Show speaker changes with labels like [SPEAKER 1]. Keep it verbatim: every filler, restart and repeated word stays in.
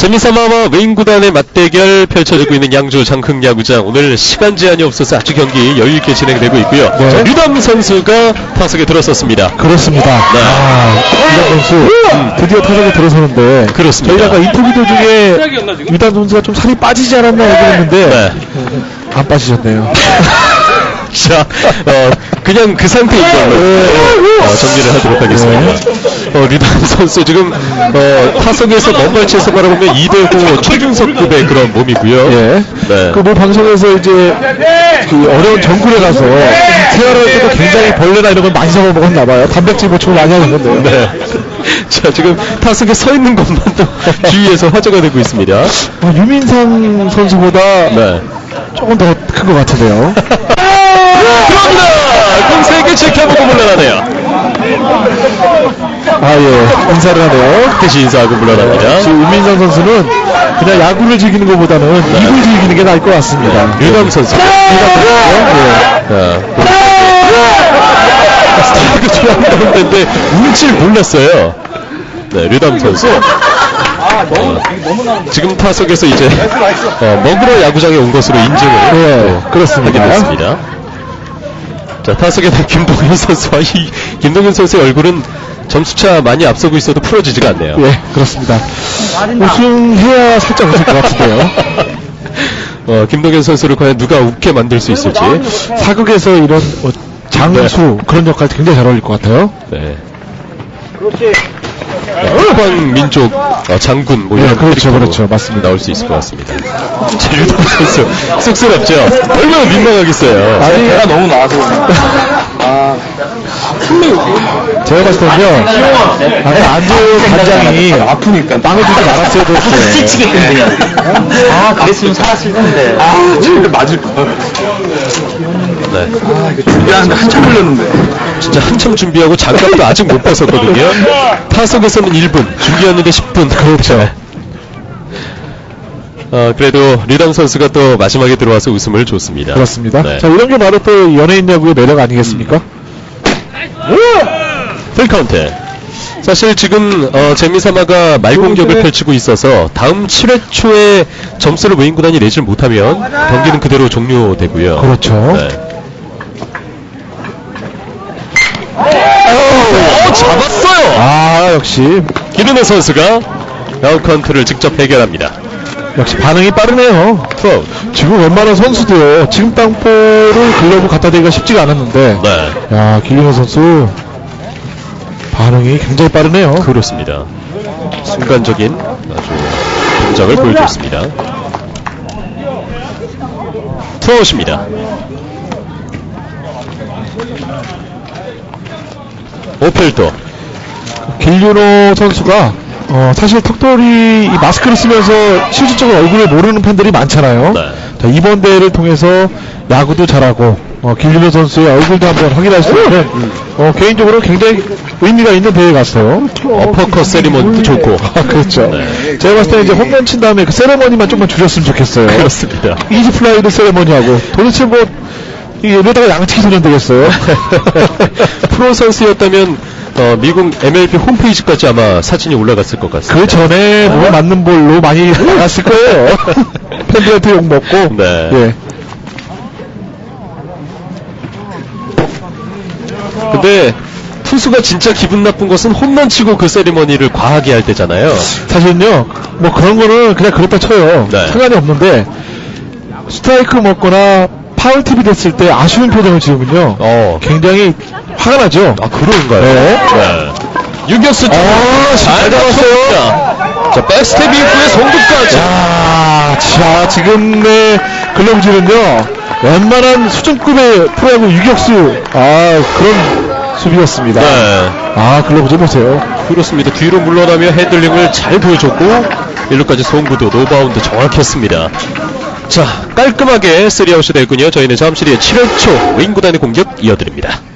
[SPEAKER 1] 재미삼아와 웨인구단의 맞대결 펼쳐지고 있는 양주 장흥야구장. 오늘 시간 제한이 없어서 아주 경기 여유있게 진행되고 있고요.
[SPEAKER 2] 네.
[SPEAKER 1] 자, 류담 선수가 타석에 들어섰습니다.
[SPEAKER 2] 그렇습니다.
[SPEAKER 1] 네.
[SPEAKER 2] 아, 류담 선수 음, 드디어 타석에 들어서는데
[SPEAKER 1] 그렇습니다.
[SPEAKER 2] 저희가 아까 인터뷰 도중에 류담 선수가 좀 살이 빠지지 않았나 얘기했는데
[SPEAKER 1] 네.
[SPEAKER 2] 안 빠지셨네요.
[SPEAKER 1] 자, 어, 그냥 그 상태인 걸로 어, 정리를 하도록 하겠습니다. 어, 류담 선수 지금 어, 타석에서 먼 발치에서 바라보면 이 대구 최준석급의 그런 몸이고요.
[SPEAKER 2] 예.
[SPEAKER 1] 네.
[SPEAKER 2] 그 뭐 방송에서 이제 그 어려운 정글에 가서 생활할 때도 굉장히 벌레나 이런 걸 많이 잡아먹었나봐요. 단백질 보충을 많이 하셨는데요.
[SPEAKER 1] 네. 자, 지금 타석에 서 있는 것만도 주위에서 화제가 되고 있습니다.
[SPEAKER 2] 어, 유민상 선수보다
[SPEAKER 1] 네.
[SPEAKER 2] 조금 더 큰 것 같은데요.
[SPEAKER 1] 들어옵니다! 공 세 개 지켜보고 물러나네요.
[SPEAKER 2] 아, 예. 인사를 하네요.
[SPEAKER 1] 다시 인사하고 물러납니다.
[SPEAKER 2] 지금 유민상 선수는 그냥 야구를 즐기는 것보다는
[SPEAKER 1] 네.
[SPEAKER 2] 입을 즐기는 게 나을 것 같습니다.
[SPEAKER 1] 류담 선수.
[SPEAKER 2] 예.
[SPEAKER 1] 스트라이크 좋아하는 데인데 운칠 몰랐어요. 네, 류담 선수. 어, 지금 타석에서 이제 어, 먹으러 야구장에 온 것으로 인증을
[SPEAKER 2] 네,
[SPEAKER 1] 또
[SPEAKER 2] 그렇습니다.
[SPEAKER 1] 하게 됐습니다. 자, 타석에 는 김동현 선수와 이 김동현 선수의 얼굴은 점수차 많이 앞서고 있어도 풀어지지가 않네요.
[SPEAKER 2] 예, 그렇습니다. 우승해야 살짝 웃을 것 같은데요.
[SPEAKER 1] 어, 김동현 선수를 과연 누가 웃게 만들 수 있을지.
[SPEAKER 2] 사극에서 이런 어, 장수
[SPEAKER 1] 네.
[SPEAKER 2] 그런 역할 굉장히 잘 어울릴 것 같아요.
[SPEAKER 1] 네. 그렇지. 국방 민족 어, 장군 뭐
[SPEAKER 2] 네,
[SPEAKER 1] 이런
[SPEAKER 2] 그렇죠,
[SPEAKER 1] 캐릭터로
[SPEAKER 2] 그렇죠. 맞습니다.
[SPEAKER 1] 나올 수 있을 것 같습니다. 류담 선수 쑥스럽죠. 얼마나 민망하겠어요.
[SPEAKER 2] 아니,
[SPEAKER 3] 내가 너무 나와서 아
[SPEAKER 2] 제가 봤을 때는요, 아까 안조 단장이
[SPEAKER 3] 아프니까
[SPEAKER 2] 빵을 주지 말았어야 됐어요.
[SPEAKER 3] 찌치겠군 그냥. 아 그랬으면 살았을 텐데. 아 저기 맞을 거.
[SPEAKER 1] 네.
[SPEAKER 3] 준비하는데 한참 걸렸는데.
[SPEAKER 1] 진짜 한참 준비하고 장갑도 아직 못 벗었거든요. 타석에서는 일 분, 준비하는데 십 분. 그렇죠. 어, 그래도 류담 선수가 또 마지막에 들어와서 웃음을 줬습니다.
[SPEAKER 2] 그렇습니다.
[SPEAKER 1] 네.
[SPEAKER 2] 자, 이런 게 바로 또 연예인 야구의 매력 아니겠습니까?
[SPEAKER 1] 풀카운트. 사실 지금 어, 재미삼아가 말공격을 펼치고 있어서 다음 칠 회 초에 점수를 웨인구단이 내질 못하면 경기는 그대로 종료되고요.
[SPEAKER 2] 그렇죠.
[SPEAKER 1] 네. 오, 잡았어요.
[SPEAKER 2] 아, 역시,
[SPEAKER 1] 기르네 선수가 아웃카운트를 직접 해결합니다.
[SPEAKER 2] 역시 반응이 빠르네요.
[SPEAKER 1] 투아웃.
[SPEAKER 2] 지금 웬만한 선수도요, 지금 땅볼을 글러브 갖다 대기가 쉽지가 않았는데,
[SPEAKER 1] 네.
[SPEAKER 2] 야, 길리노 선수 반응이 굉장히 빠르네요.
[SPEAKER 1] 그렇습니다. 순간적인 아주 동작을 보여줬습니다. 투아웃입니다. 오펠도.
[SPEAKER 2] 길리노 선수가 어, 사실 턱돌이 이 마스크를 쓰면서 실질적으로 얼굴을 모르는 팬들이 많잖아요.
[SPEAKER 1] 네.
[SPEAKER 2] 자, 이번 대회를 통해서 야구도 잘하고 어, 길리노 선수의 얼굴도 한번 확인할 수 있는 어, 개인적으로 굉장히 의미가 있는 대회 같아요.
[SPEAKER 1] 어퍼컷 세리머니도 좋고.
[SPEAKER 2] 아, 그렇죠.
[SPEAKER 1] 네.
[SPEAKER 2] 제가 봤을 때 이제 홈런 친 다음에 그 세레머니만 좀만 줄였으면 좋겠어요.
[SPEAKER 1] 그렇습니다.
[SPEAKER 2] 이지 플라이도 세레머니하고 도대체 뭐 이러다가 양치기 소년 되겠어요.
[SPEAKER 1] 프로 선수였다면 어, 미국 엠엘비 홈페이지까지 아마 사진이 올라갔을 것 같습니다.
[SPEAKER 2] 그 전에 뭐 맞는 볼로 많이 나갔을 거예요. 팬들한테 욕 먹고.
[SPEAKER 1] 네.
[SPEAKER 2] 예.
[SPEAKER 1] 근데 투수가 진짜 기분 나쁜 것은 홈런 치고 그 세리머니를 과하게 할 때잖아요.
[SPEAKER 2] 사실은요, 뭐 그런 거는 그냥 그렇다 쳐요.
[SPEAKER 1] 네.
[SPEAKER 2] 상관이 없는데, 스트라이크 먹거나 파울 팁이 됐을 때 아쉬운 표정을 지으면요,
[SPEAKER 1] 어.
[SPEAKER 2] 굉장히 화가 나죠.
[SPEAKER 1] 아, 그런가요?
[SPEAKER 2] 네.
[SPEAKER 1] 네. 유격수 쪽.
[SPEAKER 2] 아,
[SPEAKER 1] 잘 잡았어요. 자, 백스텝 이후에 송구까지.
[SPEAKER 2] 자, 자, 지금의 글러브질은요, 웬만한 수준급의 프로야구 유격수, 아, 그런 수비였습니다.
[SPEAKER 1] 네.
[SPEAKER 2] 아, 글러브질 보세요.
[SPEAKER 1] 그렇습니다. 뒤로 물러나며 핸들링을 잘 보여줬고 일루까지 송구도 노바운드 정확했습니다. 자, 깔끔하게 쓰리아웃이 됐군요. 저희는 잠시 뒤에 칠 회 초 웨인구단의 공격 이어드립니다.